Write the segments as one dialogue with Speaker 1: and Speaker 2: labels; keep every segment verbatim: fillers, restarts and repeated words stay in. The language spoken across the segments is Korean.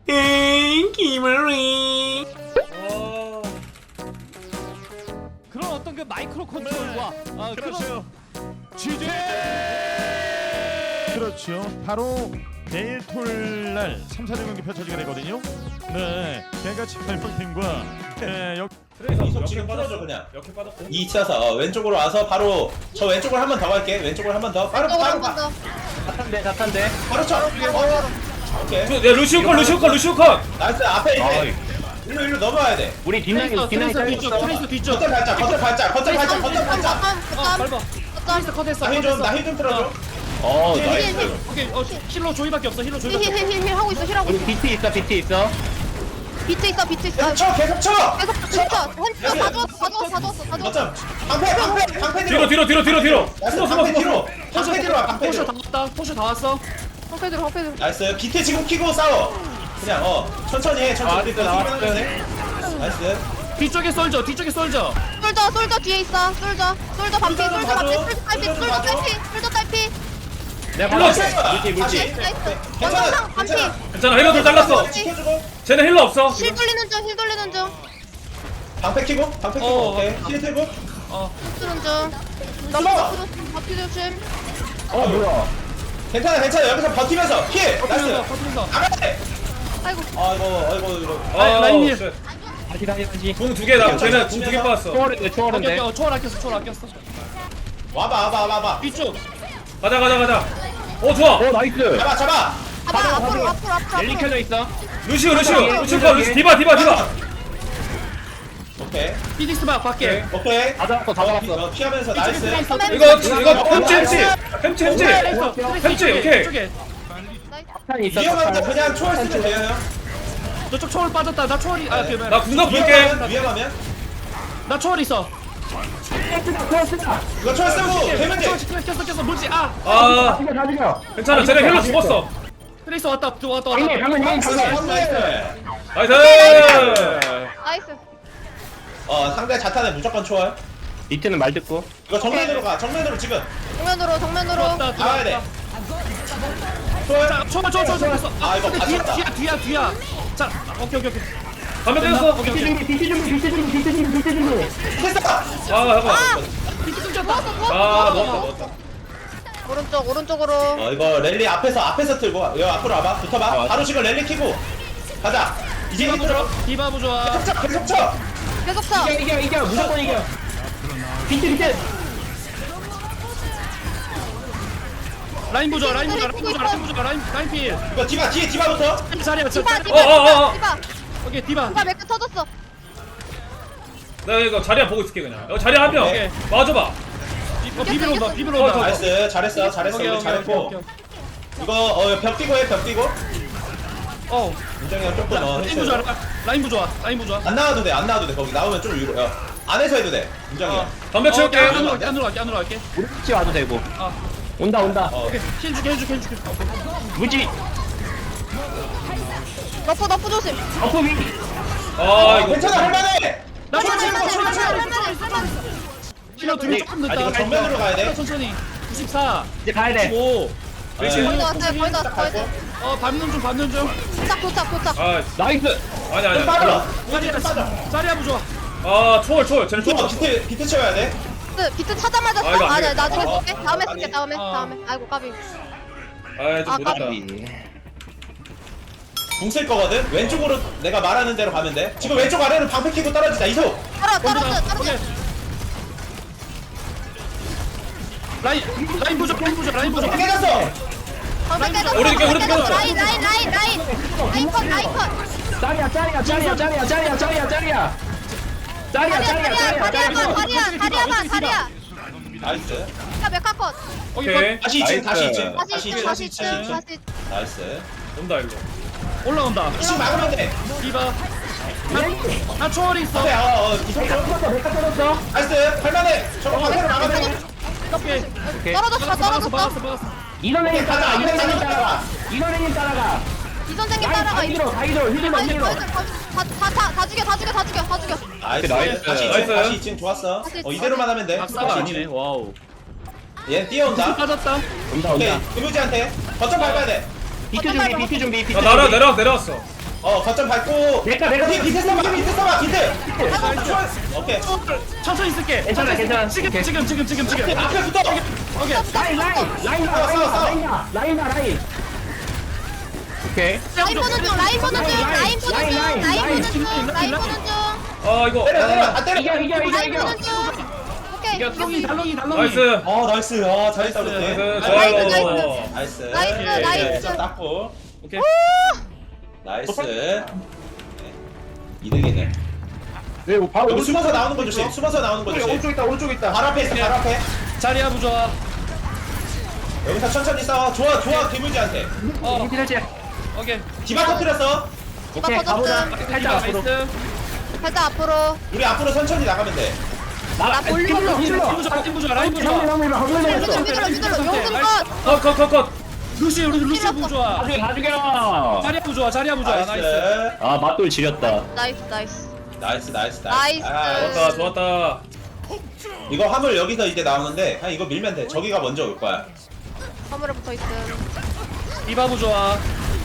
Speaker 1: 에이 기머리.
Speaker 2: 어...
Speaker 3: 그런 어떤 그 마이크로 컨트롤과 아,
Speaker 2: 그렇죠.
Speaker 3: 지지.
Speaker 2: 그렇죠. 바로 내일 토요일 날 삼, 사전 경기 펼쳐지게 되거든요. 네, 개같이 발명팀과 네, 역.
Speaker 4: 이속 지금 풀어줘 그냥.
Speaker 2: 이렇게 빠졌고.
Speaker 4: 이 쳐서 어, 왼쪽으로 와서 바로 저 왼쪽으로 한 번 더 갈게. 왼쪽으로 한 번 더. 바로 바로
Speaker 5: 한번
Speaker 4: 가.
Speaker 5: 더.
Speaker 6: 자탄대 자탄대
Speaker 4: 바로 쳐. 어, 오케이.
Speaker 1: 야 루시오 컷 루시오 컷 루시오 컷.
Speaker 4: 나이스 앞에 있네.
Speaker 6: 아이.
Speaker 4: 일로 일로 넘어와야 돼.
Speaker 6: 우리 뒷라인 뒷라인
Speaker 3: 트레이서 뒤쪽,
Speaker 6: 잘렸어
Speaker 3: 트레이서 뒤쪽.
Speaker 4: 겉을 발짝 겉을 발짝 겉을 발짝 겉을 발짝.
Speaker 3: 어, 밟아. 트레이서 컷했어.
Speaker 4: 나힐좀나 힐 좀 틀어줘.
Speaker 6: 어
Speaker 4: 힐,
Speaker 6: 나이스
Speaker 4: 힐, 힐.
Speaker 3: 오케이, 어, 힐러 조이밖에 없어. 힐러 조이밖에 없어.
Speaker 5: 힐힐힐힐 하고 있어. 힐 하고
Speaker 6: 우리
Speaker 5: 있어.
Speaker 6: 비트 있어 비트 있어
Speaker 5: 비트 있어. 비트 있어.
Speaker 4: 계속 쳐 계속 쳐.
Speaker 5: 계속 비트 있어. 햄스터 다 줬어. 다 줬어. 다 줬어. 다 줬어.
Speaker 4: 어쩜 방패 방패 방패
Speaker 1: 뒤로 뒤로 뒤로 뒤로 뒤로.
Speaker 4: 나이스
Speaker 1: 숨어 숨어
Speaker 4: 방패
Speaker 1: 숨어.
Speaker 4: 뒤로. 방패 뒤로 와 방패
Speaker 3: 포쇼
Speaker 4: 뒤로.
Speaker 3: 다 왔다. 포쇼 다 왔어.
Speaker 5: 펑패들 펑패들.
Speaker 4: 나이스 비트 지금 키고 싸워. 그냥 어 천천히 해 천천히.
Speaker 6: 나왔어, 나왔어.
Speaker 4: 나이스.
Speaker 3: 뒤쪽에 쏠져. 뒤쪽에 쏠져.
Speaker 5: 솔저 솔저 뒤에 있어. 솔저. 솔저 반피.
Speaker 4: 솔저 좀
Speaker 5: 솔저 반피.
Speaker 4: 봐줘.
Speaker 5: 솔저 딸피.
Speaker 4: 솔저 좀
Speaker 5: 솔저
Speaker 4: 봐줘.
Speaker 5: 딸피. 솔저 딸피.
Speaker 6: 내가
Speaker 4: 나이스.
Speaker 6: 받았어 물지 물지
Speaker 4: 다시.
Speaker 5: 나이스.
Speaker 4: 괜찮아,
Speaker 5: 원상 반피.
Speaker 4: 괜찮아.
Speaker 1: 괜찮아 힐러들 잘랐어.
Speaker 4: 지켜주고.
Speaker 1: 쟤네 힐러 없어.
Speaker 5: 실 돌리는 중. 실 돌리는 중.
Speaker 4: 방패 키고 방패 키고
Speaker 3: 어,
Speaker 4: 오케이 힐 들고.
Speaker 3: 어.
Speaker 5: 쓰는 중.
Speaker 4: 넘어.
Speaker 5: 바퀴 조심.
Speaker 6: 어 뭐야
Speaker 4: 괜찮아 괜찮아 여기서 버티면서 힐.
Speaker 3: 퍼트면서
Speaker 4: 나이스.
Speaker 3: 퍼트면서.
Speaker 4: 나가야 돼.
Speaker 5: 아이고.
Speaker 4: 아이고 아이고 이거.
Speaker 1: 아,
Speaker 3: 라인 힐.
Speaker 1: 쉣.
Speaker 6: 다시 다시 다시
Speaker 1: 궁두 개다. 쟤네 궁 두 개 빠졌어.
Speaker 6: 초월인데
Speaker 3: 오케이,
Speaker 6: 초월인데
Speaker 3: 오케이. 어, 초월 아꼈어. 초월 아꼈어.
Speaker 4: 와봐 와봐 와봐 와봐.
Speaker 3: 뒤쪽.
Speaker 1: 가자 가자 가자. 어 좋아.
Speaker 6: 어 나이스
Speaker 4: 잡아 잡아.
Speaker 5: 봐봐. 앞으로 앞으로 앞으로.
Speaker 6: 랠리 켜져 있어
Speaker 1: 루시오 루시오 루시오 컷 루시 디바 디바 디바.
Speaker 4: 오케이
Speaker 3: 피닉스 막 밖에.
Speaker 4: 오케이.
Speaker 6: 다 잡았어 다
Speaker 4: 피-
Speaker 6: 잡았어
Speaker 4: 어, 피하면서 나이스.
Speaker 1: 이거 이거 햄치 햄치 햄치 햄치.
Speaker 3: 트레이서.
Speaker 1: 햄치,
Speaker 3: 트레이서
Speaker 1: 오케이.
Speaker 3: 이쪽에.
Speaker 6: 자탄이 있어
Speaker 4: 위험한데
Speaker 6: 자탄.
Speaker 4: 그냥 초월 쓰면 돼요 형.
Speaker 3: 저쪽 초월 빠졌다. 나 초월이. 아, 그 뭐야.
Speaker 1: 나 궁각 볼게.
Speaker 4: 위험하면 위험하면
Speaker 3: 나 초월 있어.
Speaker 4: 이거 초월 쓰고 되면 돼.
Speaker 3: 초월 켰어 켰어. 뭐지? 아.
Speaker 1: 아
Speaker 6: 죽여 다 죽여
Speaker 1: 괜찮아 쟤네 힐러 죽었어.
Speaker 3: 트레이서 왔다. 왔다 왔다.
Speaker 6: 방금 방금 방금 방금
Speaker 4: 나이스.
Speaker 1: 나이스.
Speaker 5: 나이스.
Speaker 4: 어 상대 자탄에 무조건 초월.
Speaker 6: 비트는 말 듣고
Speaker 4: 이거 정면으로 가 정면으로 지금
Speaker 5: 정면으로 정면으로.
Speaker 3: 왔다.
Speaker 4: 나와야 돼.
Speaker 3: 들어왔다.
Speaker 4: 초월.
Speaker 3: 자, 초월 초월 초월 초월.
Speaker 4: 아, 이거
Speaker 3: 근데 뒤야
Speaker 4: 맞췄다.
Speaker 3: 뒤야 뒤야 뒤야. 자, 오케이 오케이 오케이.
Speaker 1: 담배 떼었어.
Speaker 3: 오케이
Speaker 6: 비트
Speaker 3: 오케이.
Speaker 6: 준비 비트 준비 비트 준비 비트 준비 비트 준비
Speaker 4: 됐어.
Speaker 1: 아 잠깐.
Speaker 3: 비트 끊겼다.
Speaker 1: 아 넣었다 넣었다.
Speaker 5: 오른쪽 오른쪽으로.
Speaker 4: 어 이거 랠리 앞에서 앞에서 틀고 여기 앞으로 와봐 붙어봐. 바로 지금 랠리 키고 가자. 이제
Speaker 3: 디바부
Speaker 4: 힘들어.
Speaker 3: 좋아. 디바부 좋아.
Speaker 4: 계속 쳐 계속 쳐.
Speaker 5: 계속 쳐.
Speaker 6: 이겨 이겨 이겨 무조건 이겨 비트 비트
Speaker 3: 라인 부좋아. 라인 부좋아. 라인 부좋아. 라인 부좋아. 라인 라인 필.
Speaker 4: 이거 디바 뒤에 디바부터.
Speaker 3: 자리야. 저
Speaker 5: 디바
Speaker 3: 자리.
Speaker 5: 디바
Speaker 1: 어, 어, 어, 어.
Speaker 5: 디바 디바.
Speaker 3: 오케이 디바.
Speaker 5: 디바 맥크 터졌어.
Speaker 1: 내가 이거 자리야 보고 있을게 그냥. 여기 자리야 한 명.
Speaker 3: 오케이.
Speaker 1: 맞아봐.
Speaker 3: 어, 비비로 온다. 비비로
Speaker 1: 어,
Speaker 3: 온다.
Speaker 1: 저,
Speaker 4: 나이스 잘했어 잘했어
Speaker 3: 오케이
Speaker 4: 우리
Speaker 3: 오케이 오케이
Speaker 4: 잘했고.
Speaker 3: 오케이.
Speaker 4: 이거 어벽 뛰고 해벽 뛰고.
Speaker 3: 어.
Speaker 4: 민정이 형 조금 어
Speaker 3: 라인 부좋아.
Speaker 4: 해줘.
Speaker 3: 라인 부좋아. 라인 부좋아.
Speaker 4: 안 나와도 돼 안 나와도 돼 거기 나오면 좀 위로. 어. 안에서 해도 돼 민정이 형.
Speaker 1: 담배 채울게.
Speaker 3: 안으로 갈게. 안으로 갈게. 안으로 갈게.
Speaker 6: 우리 같이 와도 되고
Speaker 3: 아.
Speaker 6: 온다 온다
Speaker 4: 어.
Speaker 3: 오케이. 힐 줄게. 힐 줄게. 힐 줄게.
Speaker 6: 물지
Speaker 5: 너프 너프 조심.
Speaker 6: 어퍼 위
Speaker 1: 아 이거.
Speaker 4: 괜찮아 할만해.
Speaker 3: 나
Speaker 4: 초월 치고
Speaker 5: 할만해,
Speaker 4: 초월
Speaker 5: 할만해,
Speaker 4: 치고.
Speaker 5: 할만해, 할만해.
Speaker 3: 힐러 두명 조금
Speaker 4: 아 이거
Speaker 3: 늦다.
Speaker 4: 정면으로 가야 돼.
Speaker 3: 천천히. 구십사.
Speaker 6: 이제 가야 돼
Speaker 3: 오.
Speaker 4: 네.
Speaker 5: 거의 다 왔어요. 거의 다 왔어. 거의 다 왔어.
Speaker 3: 어, 밟는 중. 밟는 중.
Speaker 5: 도착 도착 도착.
Speaker 1: 아
Speaker 6: 나이스
Speaker 1: 아니 아니.
Speaker 4: 좀 빠져.
Speaker 3: 자리야.
Speaker 4: 좀 빠져.
Speaker 3: 자리야 부좋아.
Speaker 1: 아 초월 초월 쟤네
Speaker 4: 좀
Speaker 1: 초월.
Speaker 4: 비트 비트 채워야 돼.
Speaker 5: 비트 비트 찾아맞았어.
Speaker 1: 아, 이거 안
Speaker 5: 아니
Speaker 1: 되겠다.
Speaker 5: 나중에
Speaker 4: 어,
Speaker 5: 쓸게. 다음에
Speaker 4: 어,
Speaker 5: 쓸게. 다음에
Speaker 3: 어.
Speaker 5: 다음에. 아이고 까비.
Speaker 1: 아좀
Speaker 5: 아,
Speaker 1: 못했다.
Speaker 4: 궁 쓸 거거든. 왼쪽으로 내가 말하는 대로 가면 돼. 지금 왼쪽 아래로 방패 키고 떨어지자 이속.
Speaker 5: 떨어 떨어져 떨어져.
Speaker 3: 오케이. 라인 라인 부좋아. 라인 부좋아. 라인 부좋아.
Speaker 4: 깨졌어.
Speaker 5: 방패 깨졌어.
Speaker 1: 오른쪽,
Speaker 5: 방패
Speaker 1: 오른쪽,
Speaker 5: 깨졌어.
Speaker 1: 오른쪽.
Speaker 5: 라인 라인 라인 라인. 라인 컷 라인 컷.
Speaker 6: 짜리야 짜리야 짜리야 짜리야 짜리야 짜리야 짜리야 짜리야
Speaker 5: 다리야
Speaker 6: 짜리야
Speaker 5: 다리야
Speaker 6: 짜리야
Speaker 5: 다리야
Speaker 6: 짜리야
Speaker 5: 다리야 다리야 봐 다리야.
Speaker 4: 나이스.
Speaker 5: 자 메카 컷.
Speaker 1: 오케이.
Speaker 4: 다시 이층 다시
Speaker 6: 나이스.
Speaker 4: 이층
Speaker 5: 다시
Speaker 4: 다시
Speaker 5: 이층
Speaker 4: 이층
Speaker 5: 다시 이층
Speaker 4: 이층.
Speaker 5: 다시.
Speaker 4: 나이스.
Speaker 1: 온다 일로.
Speaker 3: 올라온다.
Speaker 4: 이층 막으면 돼.
Speaker 3: 디바. 나, 나 초월이 있어.
Speaker 4: 그래 어어 이속 좀.
Speaker 6: 떨어졌어 메카 떨어졌어
Speaker 4: 나이스. 할만해. 저거 방패로 막으면 돼.
Speaker 3: 오케이.
Speaker 6: 오케이
Speaker 5: 떨어졌어
Speaker 3: 막았어
Speaker 5: 떨어졌어.
Speaker 3: 막았어 막았어.
Speaker 6: 이선생님
Speaker 4: 가자.
Speaker 6: 따라가
Speaker 4: 이거
Speaker 6: 이선생님
Speaker 4: 따라가.
Speaker 6: 따라가 이선생님 따라가
Speaker 5: 이 선생님
Speaker 6: 라인
Speaker 5: 따라가.
Speaker 6: 다 이들어 다 이들어 휴지 막
Speaker 5: 아니
Speaker 6: 이들어
Speaker 5: 다다다 죽여 다 죽여 다 죽여 다 죽여.
Speaker 4: 나이스.
Speaker 6: 나이스.
Speaker 4: 다시 이층
Speaker 1: 나이스.
Speaker 4: 다시 이층 좋았어.
Speaker 5: 다시
Speaker 4: 어 이대로만 하면 돼.
Speaker 3: 악사가
Speaker 4: 다시
Speaker 3: 아니네.
Speaker 4: 이층.
Speaker 3: 와우.
Speaker 4: 얘 뛰어온다.
Speaker 3: 빠졌다.
Speaker 6: 온다
Speaker 4: 오케이.
Speaker 6: 온다
Speaker 4: 금유지한테 거점 밟아야 돼.
Speaker 6: 비트 준비 비트 준비 비트
Speaker 1: 아 나라
Speaker 6: 준비
Speaker 1: 내려왔 내려왔어.
Speaker 4: 어 거점 밟고
Speaker 6: 내가, 내가.
Speaker 4: 뒤 밑에 써봐 밑에 써봐 밑에 오케이
Speaker 3: 천천히 쓸게.
Speaker 6: 괜찮아, 괜찮아.
Speaker 3: 지금 지금 지금 지금 지금.
Speaker 4: 앞에 붙어
Speaker 3: 오케이.
Speaker 6: 라인, 라인, 라인,
Speaker 4: 싸워, 싸워, 싸워.
Speaker 6: 라인, 라인, 라인. 오케이.
Speaker 5: 라인 보는 중 라인 보는 중 라인 보는 중
Speaker 6: 라인, 라인,
Speaker 5: 라인 보는 중
Speaker 3: 라인,
Speaker 5: 라인
Speaker 3: 라인.
Speaker 5: 보는 중
Speaker 1: 아 이거
Speaker 4: 때려 때려 안 때려
Speaker 6: 이겨, 이겨, 이겨,
Speaker 5: 라인
Speaker 6: 이겨.
Speaker 5: 보는 중 오케이
Speaker 3: 이거 달롱이 달롱이 달롱이.
Speaker 1: 나이스
Speaker 4: 어 나이스 어 잘했다 우리
Speaker 1: 나이스
Speaker 4: 팀.
Speaker 1: 좋아요
Speaker 4: 나이스
Speaker 5: 나이스,
Speaker 4: 예,
Speaker 5: 나이스.
Speaker 4: 좀 닦고
Speaker 3: 오케이.
Speaker 4: 나이스 네. 이득이네
Speaker 6: 네, 바로
Speaker 4: 여기 숨어서 나오는 거 조심 숨어서 나오는 거 조심
Speaker 6: 오른쪽 있다, 오른쪽 있다.
Speaker 4: 발 앞에 있어 발 앞에
Speaker 3: 자리야 부좋아.
Speaker 4: 여기서 천천히 싸워 좋아 좋아 개물지한테
Speaker 3: 어.
Speaker 6: 피날지.
Speaker 3: 오케이.
Speaker 4: 디바 터뜨렸어
Speaker 6: 오케이,
Speaker 5: 디바
Speaker 6: 가보자.
Speaker 5: 터졌음
Speaker 6: 살짝 앞으로.
Speaker 3: 나이스.
Speaker 5: 살짝 앞으로
Speaker 4: 우리 앞으로 천천히 나가면 돼
Speaker 6: 나
Speaker 5: 볼륨
Speaker 6: 힐러,
Speaker 3: 라인
Speaker 6: 힐러.
Speaker 3: 부좋아. 라인 부좋아. 라인
Speaker 6: 형님,
Speaker 3: 부좋아.
Speaker 6: 형님, 형님,
Speaker 5: 미들로
Speaker 6: 형님.
Speaker 5: 미들로 미들로 용금 컷
Speaker 1: 컷컷컷컷
Speaker 3: 루시 루시 루시
Speaker 5: 힐러
Speaker 3: 부좋아.
Speaker 6: 나중에, 나중에.
Speaker 3: 자리야 부좋아. 자리야 부좋아. 나이스.
Speaker 4: 나이스
Speaker 6: 아, 맞돌 지렸다.
Speaker 5: 나이스 나이스
Speaker 4: 나이스 나이스
Speaker 5: 나이스.
Speaker 4: 아,
Speaker 1: 좋았다 좋았다
Speaker 4: 이거 화물 여기서 이제 나오는데 그냥 이거 밀면 돼 저기가 먼저 올 거야
Speaker 5: 화물에 붙어있음
Speaker 3: 디바 부좋아.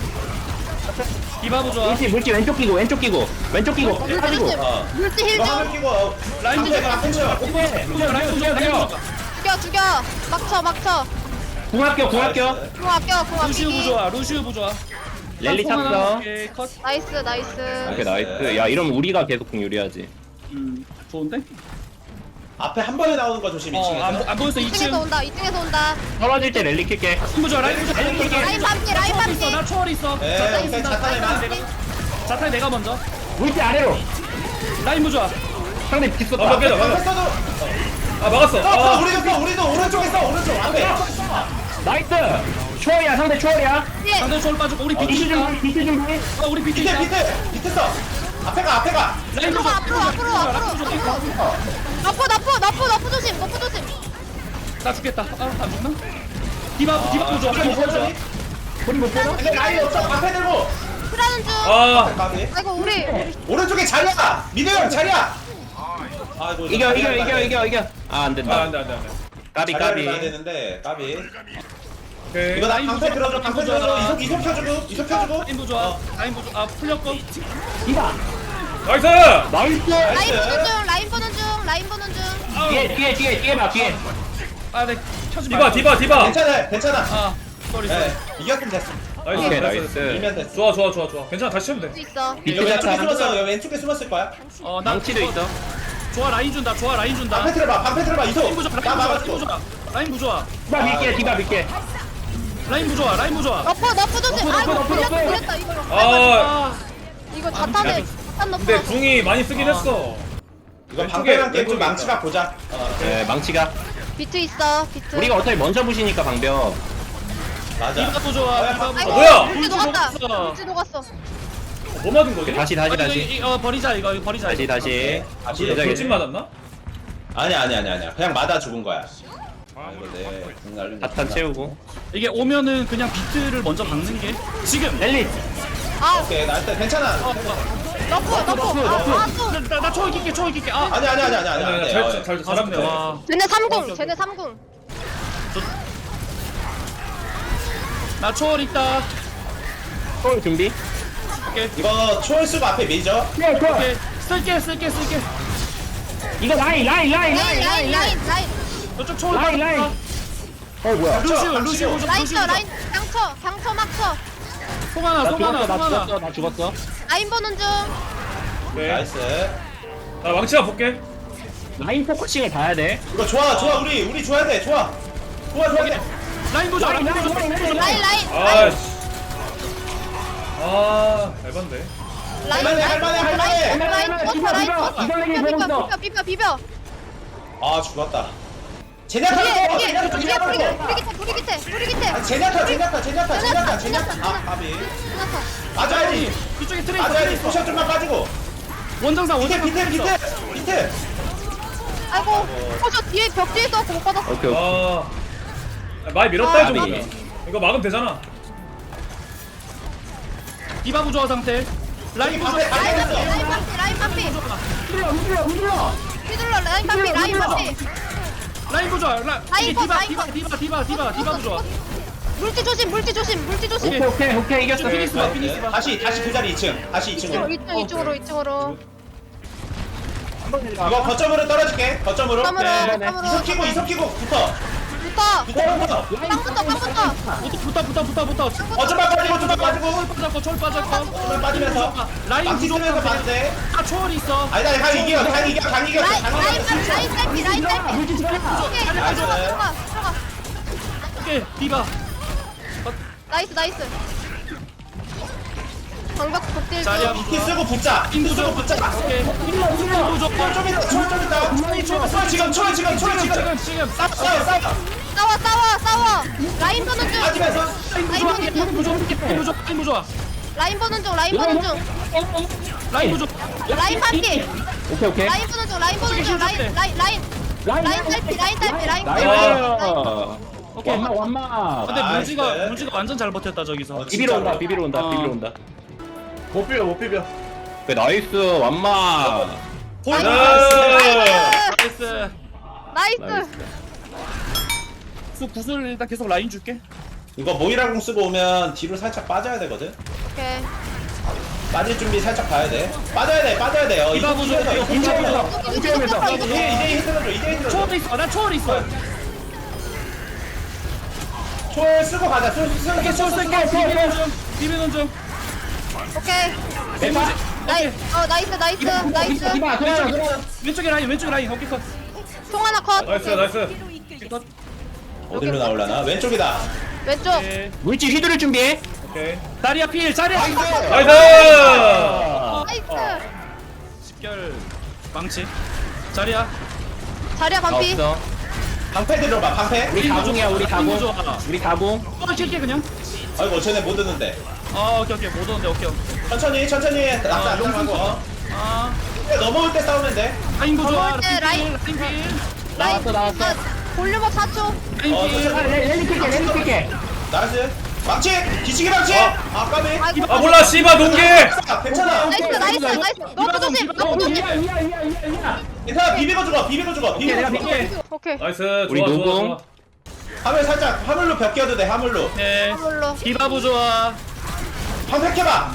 Speaker 3: 디바 부좋아.
Speaker 6: 물지, 물지, 왼쪽 끼고, 왼쪽 끼고. 왼쪽 끼고.
Speaker 5: 물지
Speaker 6: 빠지고.
Speaker 5: 조심
Speaker 4: 어.
Speaker 5: 물지
Speaker 4: 이거 화물
Speaker 5: 힐좀
Speaker 4: 끼고 어,
Speaker 3: 라인
Speaker 4: 앞에
Speaker 3: 부좋아.
Speaker 4: 앞에 쳐
Speaker 6: 오케이.
Speaker 3: 부좋아. 라인 부좋아. 라인 부좋아.
Speaker 5: 죽여 죽여 막쳐 막쳐
Speaker 6: 궁합격, 궁합격.
Speaker 5: 궁 아껴 궁
Speaker 3: 루시우
Speaker 5: 아끼기
Speaker 3: 부좋아. 루시우 부좋아.
Speaker 6: 랠리
Speaker 3: 딱 통하나?
Speaker 6: 찼어.
Speaker 3: 오케이 컷.
Speaker 5: 나이스 나이스
Speaker 6: 오케이, 나이스. 야, 이러면 우리가 계속 궁 유리하지.
Speaker 3: 음 좋은데?
Speaker 4: 앞에 한 번에 나오는 거 조심
Speaker 3: 어안
Speaker 4: 이층에서
Speaker 3: 안 보였어. 이 층.
Speaker 5: 이층에서 온다 이층에서 온다
Speaker 6: 떨어질 때 랠리 킬게.
Speaker 3: 라인 부좋아. 라인 부좋아. 라인 부좋아.
Speaker 5: 라인 반피 라인
Speaker 3: 초월 있어.
Speaker 5: 반피
Speaker 3: 나 초월 있어.
Speaker 4: 네,
Speaker 3: 자탄
Speaker 4: 오케이,
Speaker 3: 있어.
Speaker 4: 자탄에
Speaker 3: 자탄
Speaker 4: 만.
Speaker 3: 내가. 자탄 내가 먼저.
Speaker 6: 물지 아래로.
Speaker 3: 라인 부좋아.
Speaker 6: 상대
Speaker 1: 아
Speaker 6: 비슷다.
Speaker 1: 막겠다 막았어
Speaker 4: 앞에 써도
Speaker 1: 아 막았어
Speaker 4: 어,
Speaker 1: 아
Speaker 4: 우리도 써 우리도 오른쪽에 써 오른쪽 앞에
Speaker 6: 나이스. 초월이야, 상대 초월이야.
Speaker 5: 예
Speaker 3: 상대 초월 빠지고 우리 비트
Speaker 6: 비트
Speaker 3: 있다.
Speaker 6: 준비, 비트 준비.
Speaker 3: 어 우리 비트
Speaker 4: 밑에
Speaker 3: 있다.
Speaker 4: 밑에 밑에 써 앞에 가 앞에 가
Speaker 3: 라인
Speaker 5: 앞으로
Speaker 3: 부좋아.
Speaker 5: 앞으로 앞으로 앞으로 앞으로 너프 너프 너프 너프 조심 너프 조심
Speaker 3: 나 죽겠다. 아안 죽나? 디바 디바 부좋아. 디바 부좋아.
Speaker 6: 우리 못 보나?
Speaker 4: 근데 라인 없어 앞에 들고
Speaker 5: 크라는 중
Speaker 1: 아
Speaker 4: 가비
Speaker 5: 아이고 우리
Speaker 4: 오른쪽에 자리야 미드 형 자리야 아이고
Speaker 6: 이겨, 이겨, 이겨, 이겨, 이겨. 아, 안
Speaker 1: 아,
Speaker 6: 된다.
Speaker 1: 안돼 안돼 안돼
Speaker 6: 까비,
Speaker 4: 자리를 가야
Speaker 6: 까비.
Speaker 4: 되는데 까비
Speaker 1: 오케이
Speaker 4: 이거 나
Speaker 3: 라인
Speaker 4: 방패
Speaker 3: 부좋아.
Speaker 4: 들어줘 방패 들어줘 이속 이속 켜주고 이속 켜주고
Speaker 3: 라인 부좋아. 라인 부좋아. 아 풀렸고.
Speaker 6: 디바.
Speaker 1: 나이스
Speaker 6: 나이스.
Speaker 5: 라인 보는 중 라인 보는 중 라인 보는 중
Speaker 6: 뒤에, 뒤에, 뒤에, 뒤에 봐, 뒤에.
Speaker 3: 아네 켜지
Speaker 1: 디바 디바 디바
Speaker 4: 괜찮아 괜찮아
Speaker 3: 아 쏘리 쏘리.
Speaker 4: 네 이겼으면 됐어
Speaker 1: 나이스
Speaker 6: 오케이,
Speaker 1: 나이스
Speaker 6: 나이스.
Speaker 4: 밀면 됐어
Speaker 1: 좋아 좋아 좋아 좋아 괜찮아 다시 치면
Speaker 5: 수
Speaker 1: 돼
Speaker 5: 있어
Speaker 4: 이거
Speaker 6: 비트
Speaker 4: 왼쪽에
Speaker 6: 자타.
Speaker 4: 숨었어 이거 왼쪽에 숨었을 거야
Speaker 3: 어나
Speaker 6: 망치도 있어.
Speaker 3: 좋아 라인 준다. 좋아 라인 준다.
Speaker 4: 방패 틀어봐 방패 틀어봐
Speaker 3: 라인
Speaker 4: 이속
Speaker 3: 부좋아.
Speaker 4: 나
Speaker 3: 라인 부좋아.
Speaker 4: 막았어
Speaker 3: 라인 부좋아.
Speaker 6: 디바 밀게, 디바 밀게.
Speaker 3: 라인 부좋아. 라인 부좋아.
Speaker 5: 너프 너프 조심
Speaker 6: 너프,
Speaker 5: 아이고
Speaker 6: 너프,
Speaker 5: 불렸다
Speaker 6: 너프.
Speaker 5: 불렸다 이거
Speaker 1: 아
Speaker 3: 아
Speaker 5: 이거 자탄에 자탄 너프
Speaker 1: 근데 궁이 많이 쓰긴 했어
Speaker 4: 이거
Speaker 1: 왼쪽에,
Speaker 4: 방패랑 게임 좀
Speaker 1: 왼쪽에
Speaker 4: 망치가 보자 어
Speaker 6: 네, 망치가.
Speaker 5: 비트 있어 비트
Speaker 6: 우리가 어차피 먼저 부시니까 방벽.
Speaker 4: 맞아
Speaker 3: 디바 부좋아. 디바
Speaker 5: 아이고
Speaker 3: 부좋아.
Speaker 1: 뭐야?
Speaker 5: 물지 녹았다
Speaker 3: 녹았어.
Speaker 5: 물지 녹았어
Speaker 1: 뭐 맞은 거지?
Speaker 6: 다시, 다시,
Speaker 3: 아니,
Speaker 6: 다시.
Speaker 3: 이거, 이거 버리자 이거 이거 버리자.
Speaker 6: 다시,
Speaker 3: 이거.
Speaker 6: 다시.
Speaker 4: 다시
Speaker 1: 돌- 돌진 맞았나?
Speaker 4: 아니 아니 아니 아니야 그냥 맞아 죽은 거야 아 이거 내궁 날린 거
Speaker 6: 자탄 채우고.
Speaker 3: 이게 오면은 그냥 비트를 먼저 박는 게 지금.
Speaker 6: 랠리.
Speaker 5: 아
Speaker 4: 오케이 나 일단 괜찮아
Speaker 3: 어, 어.
Speaker 5: 너프 너프 아또
Speaker 3: 나나 초월 낄게 초월 낄게. 아.
Speaker 4: 아니 아니 아니 아니
Speaker 1: 아니
Speaker 4: 아니
Speaker 1: 아니
Speaker 4: 아니
Speaker 1: 잘, 잘 잘합니다
Speaker 3: 와.
Speaker 5: 쟤네 삼궁 쟤네 삼궁
Speaker 3: 나 초월 있다.
Speaker 6: 초월 준비.
Speaker 3: 오케이.
Speaker 4: 이거 초월수가 앞에 밀죠
Speaker 6: 네, 초월.
Speaker 3: 오케이. 쓸게 쓸게 쓸게.
Speaker 6: 이거 라인, 라인, 라인,
Speaker 5: 라인 라인 라인 라인
Speaker 3: 저쪽 초월
Speaker 6: 라인,
Speaker 3: 받았다.
Speaker 6: 라인. 어, 뭐야?
Speaker 3: 루시오
Speaker 4: 닥쳐,
Speaker 3: 루시오
Speaker 4: 닥쳐.
Speaker 3: 루시오.
Speaker 5: 라인 쳐 라인 강쳐 강쳐 막쳐
Speaker 3: 송하나
Speaker 6: 나
Speaker 3: 송하나
Speaker 6: 죽었어, 나
Speaker 3: 송하나.
Speaker 6: 죽었어, 나 죽었어.
Speaker 5: 라인 보는 중
Speaker 1: 오케이
Speaker 4: 나이스
Speaker 1: 나 망치가 볼게
Speaker 6: 라인 포커싱을 봐야 돼.
Speaker 4: 이거 좋아 좋아 우리 우리 좋아야 돼 좋아 좋아 좋아 돼
Speaker 3: 라인 보자 라인 보자.
Speaker 5: 라인 라인 라인
Speaker 1: 아씨 아 얇은데
Speaker 5: 라인
Speaker 4: 할만해,
Speaker 5: 라인
Speaker 4: 할만해, 할만해.
Speaker 5: 라인 라인
Speaker 6: 할만해.
Speaker 5: 버텨
Speaker 6: 비벼,
Speaker 5: 라인
Speaker 6: 비벼.
Speaker 5: 버텨
Speaker 6: 이번에
Speaker 5: 비벼
Speaker 6: 보고 있어.
Speaker 5: 비벼 비벼 비벼
Speaker 4: 아 죽었다 제냐타
Speaker 5: 뒤에
Speaker 4: 거
Speaker 5: 뒤에
Speaker 4: 제냐타
Speaker 5: 뒤에
Speaker 4: 제냐타
Speaker 5: 불이
Speaker 4: 거
Speaker 5: 불이 밑에 불이 밑에 불이 밑에
Speaker 4: 아 제냐타 제냐타 제냐타 제냐타
Speaker 5: 제냐타,
Speaker 4: 제냐타
Speaker 5: 제냐타.
Speaker 4: 아 까비
Speaker 5: 지나쳐
Speaker 4: 맞아야지
Speaker 3: 이쪽에 트레이서
Speaker 4: 맞아야지
Speaker 3: 트레이서.
Speaker 4: 포션 좀만 빠지고
Speaker 3: 원정상
Speaker 4: 밑에
Speaker 3: 원정상
Speaker 4: 밑에 밑에 밑에
Speaker 5: 아이고 어저 뒤에 벽 뒤에 있어갖고 못 받았어
Speaker 6: 오케이, 오케이.
Speaker 1: 아 많이 밀었다
Speaker 5: 아,
Speaker 1: 해줘
Speaker 6: 까비.
Speaker 1: 그냥. 이거 막으면 되잖아
Speaker 3: 디바 부조화 상태. 라인 부조화.
Speaker 4: 앞에
Speaker 5: 라인
Speaker 4: 앞에
Speaker 5: 반피
Speaker 4: 있어
Speaker 5: 라인 반피 라인 반피
Speaker 6: 흔들어, 흔들어, 흔들어.
Speaker 5: 휘둘러 라인 반피 라인 반피
Speaker 3: 라인 부조화. 라-
Speaker 5: 라인
Speaker 3: 이게
Speaker 5: 컷,
Speaker 3: 디바
Speaker 5: 라인
Speaker 3: 디바
Speaker 5: 컷.
Speaker 3: 디바 디바 디바 디바 부조화.
Speaker 5: 물티 조심 물티 조심 물티 조심.
Speaker 6: 오케이 오케이 오케이 이겼어.
Speaker 3: 피니스 봐 피니스 봐.
Speaker 4: 다시 다시 그 자리 이 층. 다시 이 층으로.
Speaker 5: 이층 이층으로 이층으로.
Speaker 4: 이거 거점으로 떨어질게. 거점으로.
Speaker 5: 땀으로
Speaker 6: 네, 네.
Speaker 5: 땀으로.
Speaker 4: 이속 키고 이속 키고 붙어.
Speaker 5: 붙어.
Speaker 4: 붙어 붙어.
Speaker 5: 빵부터 빵부터.
Speaker 3: 붙어 붙어 붙어 붙어.
Speaker 4: 어쩌면 빠지고 어쩌면 빠지고.
Speaker 3: 빠졌고 철 빠졌고.
Speaker 4: 어쩌면 빠지면서.
Speaker 3: 라인
Speaker 4: 망치 쓰면서
Speaker 3: 부족하네.
Speaker 4: 봐도 돼.
Speaker 3: 아 초월이 있어.
Speaker 4: 아니다 강 이겨 강 이겨 강 이겨
Speaker 5: 라인
Speaker 4: 강
Speaker 5: 라인
Speaker 4: 이겨.
Speaker 5: 라인 딸피 라인 딸피.
Speaker 6: 물질 들어가.
Speaker 5: 오케이 들어가 들어가 들어가 들어가.
Speaker 3: 오케이 디바.
Speaker 5: 나이스 나이스. 방벽 극딜
Speaker 3: 자리야.
Speaker 5: 중.
Speaker 4: 키 쓰고 붙자. 키 쓰고 붙자.
Speaker 3: 오케이. 무조건
Speaker 4: 좀 있다 초월 좀 있다. 초월 지금 초월 지금 초월 지금.
Speaker 3: 지금 지금 싹
Speaker 4: 싸워 싸워.
Speaker 5: 싸워 싸워 싸워. 라인 보는 중.
Speaker 4: 빠지면서.
Speaker 5: 라인 보는 중.
Speaker 3: 무조건 무조건 라인 무조건
Speaker 5: 라인 보는 중 라인 보는 중.
Speaker 3: 라인 무조건.
Speaker 5: 라인 반피.
Speaker 6: 오케이 오케이.
Speaker 5: 라인 보는 중 라인 보는 중 라인 라인 라인.
Speaker 6: 라인
Speaker 5: 라인 딸피 라인 딸피 라인
Speaker 6: 나이스.
Speaker 5: 딸피.
Speaker 3: 오케이.
Speaker 6: 완마 완마.
Speaker 3: 근데
Speaker 4: 나이스.
Speaker 3: 물지가 물지가 완전 잘 버텼다 저기서.
Speaker 4: 어,
Speaker 6: 비비러 온다 비비러 온다
Speaker 3: 어.
Speaker 6: 비비러 온다.
Speaker 4: 못 비벼 못 비벼.
Speaker 6: 그 나이스 완마.
Speaker 4: 포인트.
Speaker 3: 나이스.
Speaker 5: 나이스.
Speaker 3: 수 구슬 일단 계속 라인 줄게.
Speaker 4: 이거 모이라공 쓰고 오면 뒤로 살짝 빠져야 되거든.
Speaker 5: 오케이.
Speaker 4: 빠질 준비 살짝 봐야 돼. 빠져야 돼 빠져야 돼. 어,
Speaker 3: 이거
Speaker 4: 이거
Speaker 3: 보죠.
Speaker 4: 보면서
Speaker 3: 이거
Speaker 4: 이거 보면서.
Speaker 5: 이거 이거 이거
Speaker 4: 이제 이제 힘들어줘 이제 힘들어줘.
Speaker 3: 초월 있어. 나 초월 있어.
Speaker 4: 초월 쓰고 가자. 쏠 쓸게
Speaker 3: 초월
Speaker 4: 쏠
Speaker 3: 쓸게.
Speaker 4: 쓸게.
Speaker 3: 비비는 중. 비비는 중.
Speaker 5: 오케이.
Speaker 6: 대박.
Speaker 5: 나이 어 나이스 나이스 나이스.
Speaker 6: 이봐 그래 그래.
Speaker 3: 왼쪽에 라인 왼쪽에 라인 오케이 컷.
Speaker 5: 통 하나 컷.
Speaker 1: 나이스 나이스.
Speaker 3: 컷.
Speaker 4: 어디로 나올라나? 왼쪽이다.
Speaker 5: 왼쪽.
Speaker 3: 오케이.
Speaker 6: 물질 휘두를 준비해.
Speaker 1: 오케이.
Speaker 3: 다리야 필 자리야.
Speaker 1: 나이스.
Speaker 5: 나이스.
Speaker 3: 집결 망치. 자리야.
Speaker 5: 자리야 반피.
Speaker 6: 없어.
Speaker 4: 방패 들어봐 방패.
Speaker 6: 우리 다공이야 우리 다공.
Speaker 3: 좋아.
Speaker 6: 우리 다공.
Speaker 3: 또 칠게 그냥.
Speaker 4: 아이고 쟤네 못 듣는데.
Speaker 3: 아 오케이 오케이 못 오는데 오케이.
Speaker 4: 천천히 천천히 낙사 안 당하고. 어.
Speaker 3: 아
Speaker 4: 넘어올 때 싸우면 돼.
Speaker 3: 라인 부좋아.
Speaker 5: 넘어올 때 라인.
Speaker 3: 라인 필.
Speaker 5: 라인.
Speaker 6: 나왔어, 나왔어.
Speaker 5: 아, 볼륨업 사 초.
Speaker 3: 라인
Speaker 4: 어,
Speaker 3: 필.
Speaker 4: 천천히.
Speaker 6: 랠리 킬게 랠리 킬게.
Speaker 4: 나이스. 망치 뒤치기 망치. 아 까비.
Speaker 5: 아이고.
Speaker 1: 아 몰라 씨바 농계.
Speaker 4: 괜찮아.
Speaker 5: 나이스 나이스 나이스. 너프 조심. 너프 조심.
Speaker 6: 이야 이야 이야 이야 이야.
Speaker 4: 괜찮아 비비고 죽어 비비고 죽어 비비고
Speaker 6: 내가
Speaker 4: 죽어.
Speaker 6: 비빌게.
Speaker 5: 오케이.
Speaker 1: 나이스.
Speaker 6: 우리
Speaker 1: 좋아 좋아
Speaker 6: 노공.
Speaker 1: 좋아.
Speaker 4: 화물 살짝 화물로 벽 끼워도 돼 화물로.
Speaker 3: 네.
Speaker 5: 화물로.
Speaker 3: 디바 부좋아.
Speaker 4: 방패 켜봐.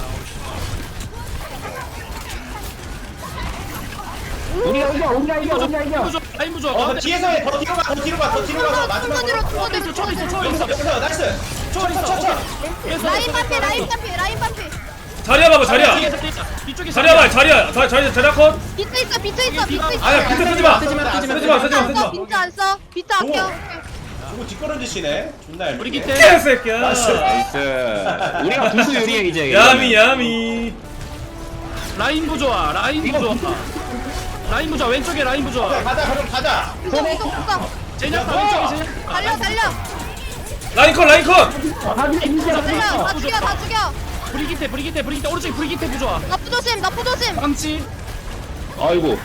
Speaker 6: 우리가 이겨 우리가 이겨 우리가 이겨.
Speaker 3: 부좋아. 라인 부좋아.
Speaker 4: 어
Speaker 3: 가운데.
Speaker 4: 뒤에서 해. 더 뒤로 가. 더 뒤로 가. 더 뒤로 가서 마지막으로.
Speaker 5: 충분히로 충분히로.
Speaker 3: 초월 있어 초월 있어.
Speaker 4: 여기서 나이스.
Speaker 3: 초월 있어.
Speaker 4: 쳐쳐.
Speaker 5: 라인 반피 라인 반피 라인 반피.
Speaker 1: 자리야 봐봐 자리야.
Speaker 3: 뒤쪽에
Speaker 1: 자리야 봐 자리야. 자 자리 자리야 컷.
Speaker 5: 비트 있어 비트 있어 비트 있어.
Speaker 1: 아야 비트 쓰지 마.
Speaker 6: 쓰지 마, 쓰지 마,
Speaker 1: 쓰지 마 쓰지 마
Speaker 5: 안
Speaker 1: 쓰지
Speaker 5: 써
Speaker 1: 마.
Speaker 5: 비트 안 써. 비트 아껴.
Speaker 4: 저거 뒷걸음지시네. 존나 얄밉게.
Speaker 3: 우리 기태.
Speaker 1: 개새끼야.
Speaker 6: 나이스. 우리가 부수 유리해 이제.
Speaker 1: 야미 야미.
Speaker 3: 라인 부좋아. 라인 부좋아. 라인 부좋아. 왼쪽에 라인
Speaker 4: 오케이,
Speaker 3: 부좋아.
Speaker 4: 가자 그럼 가자.
Speaker 5: 이속 이속 이속.
Speaker 3: 제냐타 왼쪽에 제냐타.
Speaker 5: 달려 달려.
Speaker 1: 라인 컷 라인 컷.
Speaker 6: 아 근데 이제
Speaker 5: 달려. 다 죽여 다 죽여.
Speaker 3: 브리기테 브리기테 브리기테 오른쪽에 브리기테 부좋아.
Speaker 5: 나프 조심 나프 조심.
Speaker 3: 망치.
Speaker 6: 아이고.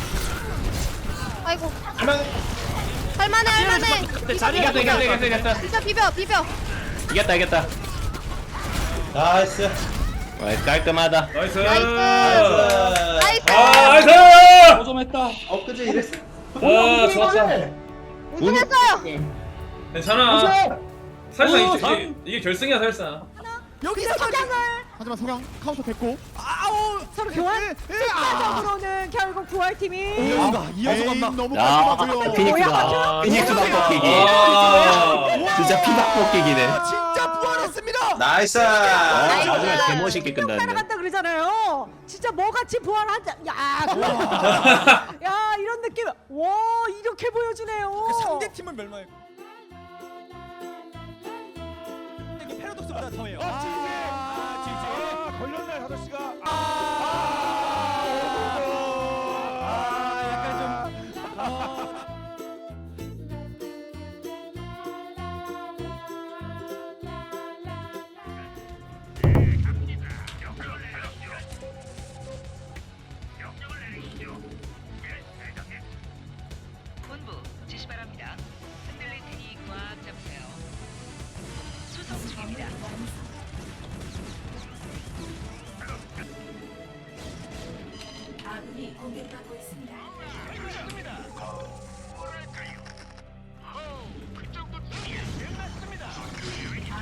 Speaker 5: 아이고.
Speaker 4: 할만.
Speaker 5: 할만해 할만해.
Speaker 3: 네, 자리가
Speaker 6: 이겼다 이겼다 이겼다 이겼다.
Speaker 5: 비벼 비벼 비벼.
Speaker 6: 이겼다 이겼다.
Speaker 4: 나이스.
Speaker 6: 아, 깔끔하다.
Speaker 1: 나이스.
Speaker 5: 나이스. 나이스.
Speaker 1: 아 나이스.
Speaker 3: 고점했다.
Speaker 4: 어 그제 이랬어.
Speaker 1: 아 좋았다.
Speaker 5: 우승했어요.
Speaker 1: 괜찮아. 사실상
Speaker 3: 오,
Speaker 1: 이게, 이게, 이게 결승이야 사실상.
Speaker 7: 여기서 석양을 하지만 석양 카운터 됐고 아우 서로 교환 결과적으로는 결국 부활팀이
Speaker 2: 이어가 이어서 간다.
Speaker 7: 너무
Speaker 6: 야,
Speaker 7: 깔끔하고요.
Speaker 6: 피닉스다. 피닉스 바꿔끼기.
Speaker 1: 아.
Speaker 6: 진짜 피 바꿔끼기네.
Speaker 7: 진짜 부활했습니다.
Speaker 4: 나이스.
Speaker 6: 아,
Speaker 5: 나이스.
Speaker 6: 마지막에 개멋있게 끝났네.
Speaker 7: 따라간다 그러잖아요. 진짜 뭐같이 부활한다. 야, 좋아. 야 이런 느낌. 와 이렇게 보여주네요.
Speaker 2: 상대팀은 멸망해. 패러독스보다 더해요. 아, 지지. 아, 걸렸네, 다섯 시가. 아, 아, 약간 좀.
Speaker 8: 본부 지시 바랍니다. 흔들릴 테니 꽉 잡으세요. 수송 중입니다.
Speaker 9: 아군이 공격받고 있습니다.
Speaker 8: 뭐랄까요? 어, 그 정도쯤이야. 끝났습니다.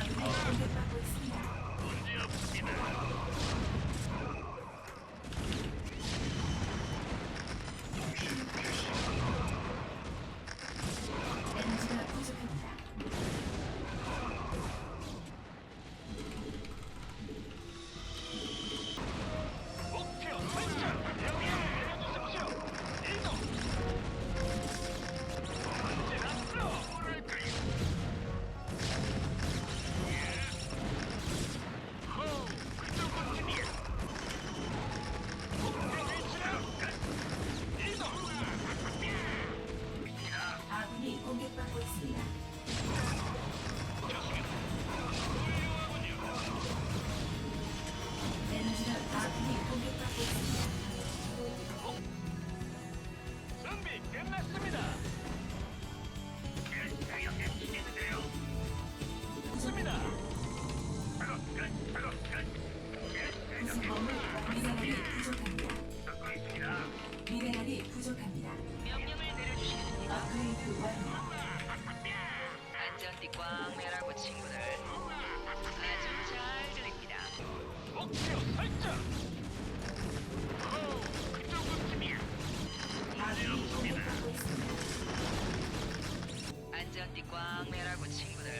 Speaker 8: 안전띠 꽉 매라고 친구들.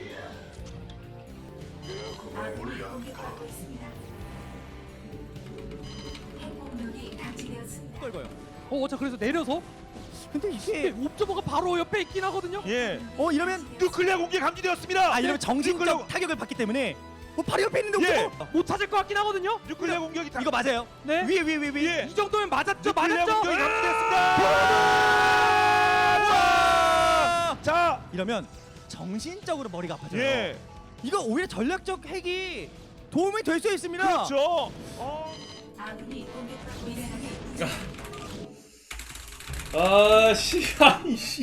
Speaker 3: 어, 자 그래서 내려서. 근데 이게 옵저버가 바로 옆에 있긴 하거든요.
Speaker 2: 예.
Speaker 9: 어 이러면
Speaker 2: 뉴클리아 공격 감지되었습니다.
Speaker 9: 아 이러면 정신적
Speaker 2: 뉴클리아,
Speaker 9: 타격을 받기 때문에 어 바로 옆에 있는데
Speaker 2: 예.
Speaker 9: 옵저버
Speaker 3: 못 찾을 것 같긴 하거든요.
Speaker 2: 뉴클리아 공격이 다
Speaker 9: 이거 맞아요.
Speaker 3: 네.
Speaker 9: 위에 위에 위에 위에.
Speaker 2: 예.
Speaker 3: 이 정도면 맞았죠,
Speaker 2: 뉴클리아
Speaker 3: 맞았죠.
Speaker 2: 공격이
Speaker 3: 아!
Speaker 2: 감지됐습니다. 자,
Speaker 9: 이러면 정신적으로 머리가 아파져요.
Speaker 2: 예.
Speaker 9: 이거 오히려 전략적 핵이 도움이 될 수 있습니다.
Speaker 2: 그렇죠. 어.
Speaker 1: 아씨 아이씨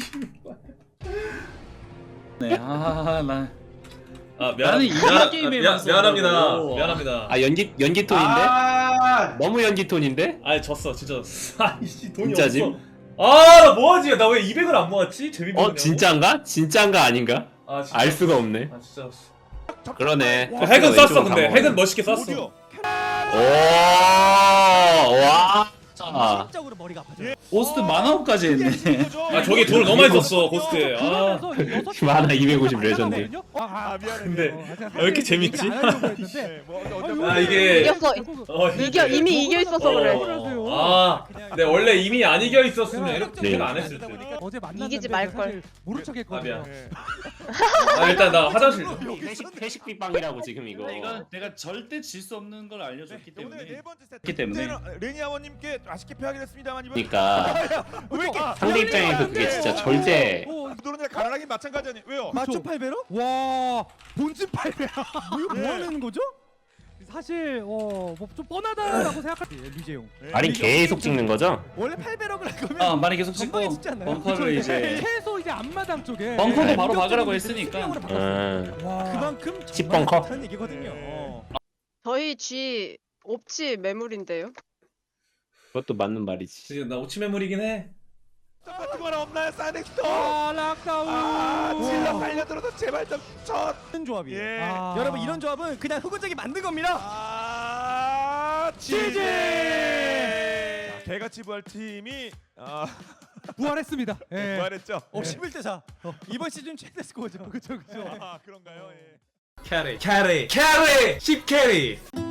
Speaker 3: 네, 아, 나.
Speaker 1: 아 미안
Speaker 3: 나는
Speaker 1: 미안
Speaker 3: 이런
Speaker 1: 아,
Speaker 3: 게임에만
Speaker 1: 미안 미안합니다
Speaker 3: 써가지고.
Speaker 1: 미안합니다
Speaker 6: 아 연기 연기 톤인데?
Speaker 4: 아
Speaker 6: 너무 연기 톤인데?
Speaker 1: 아니 졌어 진짜 아이씨 돈이
Speaker 6: 진짜지?
Speaker 1: 없어 아나 뭐하지 나 왜 이백을 안 모았지 재미
Speaker 6: 어 진짜인가? 진짜인가 아닌가?
Speaker 1: 아 진짜
Speaker 6: 알 수가 없네.
Speaker 1: 아 진짜
Speaker 6: 그러네.
Speaker 1: 그 핵은
Speaker 6: 왼쪽으로
Speaker 1: 썼어 근데
Speaker 6: 가면.
Speaker 1: 핵은 멋있게 썼어
Speaker 2: 오디오.
Speaker 6: 오, 와. 아,
Speaker 9: 정신적으로 머리가 아파져요.
Speaker 3: 오스트 만화업까지 했네.
Speaker 1: 아 저기 돈을 너무 많이 썼어 고스트에 아
Speaker 3: 그러면서 여섯 개
Speaker 6: 만화 이백오십 레전드.
Speaker 3: 하거든요?
Speaker 2: 아 미안해.
Speaker 1: 근데 왜 이렇게 재밌지?
Speaker 2: 네, 뭐 어떤
Speaker 1: 아 이게
Speaker 5: 이겼어.
Speaker 1: 어,
Speaker 5: 이겨 이미 이겨 있어서 그래.
Speaker 1: 어, 아 근데 원래 이미 안 이겨 있었으면 이렇게
Speaker 6: 네.
Speaker 1: 안 했을 듯.
Speaker 3: 어제 만났는데
Speaker 5: 이기지 말걸.
Speaker 3: 사실 모른
Speaker 1: 아
Speaker 3: 척했거든요.
Speaker 1: 미안
Speaker 2: 예.
Speaker 1: 아 일단 나 화장실 좀.
Speaker 6: 회식 회식 빗방이라고 지금 이거.
Speaker 3: 이건 내가 절대 질 수 없는 걸 알려줬기
Speaker 2: 네, 오늘 네 번째 세트.
Speaker 3: 그렇기 때문에.
Speaker 2: 이제는 레니 아버님께 아쉽게 패하긴 했습니다만 이번
Speaker 6: 그러니까
Speaker 2: 왜 이렇게
Speaker 6: 상대 입장에서 그게 진짜 절대.
Speaker 2: 노른자 가난하긴 마찬가지 아니 왜요?
Speaker 9: 맞춤 팔 배로?
Speaker 3: 와, 본진 팔 배야.
Speaker 9: 뭐, 뭐 하는 거죠?
Speaker 3: 사실 어, 뭐 좀 뻔하다라고 생각할 때
Speaker 9: 류재용.
Speaker 6: 아니 계속 찍는 거죠?
Speaker 9: 원래 팔 배럭을 할 거면
Speaker 3: 아, 많이 계속
Speaker 9: 전방에
Speaker 3: 찍고
Speaker 9: 찍지 않나요?
Speaker 3: 벙커를 이제
Speaker 9: 최소 이제 앞마당 쪽에
Speaker 3: 벙커도
Speaker 6: 네.
Speaker 3: 바로 박으라고 했으니까.
Speaker 6: 음.
Speaker 9: 그만큼
Speaker 6: 십
Speaker 9: 정말
Speaker 6: 벙커?
Speaker 9: 못하는 얘기거든요.
Speaker 5: 저희 G 옵지 매물인데요.
Speaker 6: 그것도 맞는 말이지.
Speaker 1: 지금 나 오치 매물이긴 해
Speaker 2: 같은 거 하나 없나요? 사넥스터.
Speaker 3: 아, 락다운.
Speaker 2: 아 질러 달려들어서 제발 좀첫
Speaker 9: 이런 조합이에요.
Speaker 2: 예.
Speaker 3: 아.
Speaker 9: 여러분 이런 조합은 그냥 흑운적이 만든 겁니다.
Speaker 2: 아 지지. 자, 개같이 부활 팀이 아
Speaker 3: 부활했습니다. 예.
Speaker 2: 부활했죠.
Speaker 9: 어 십일 대 사. 이번 시즌 최대 스코어죠. 그렇죠, 그렇죠.
Speaker 2: 아 그런가요? 예.
Speaker 1: 캐리 캐리 캐리 십 캐리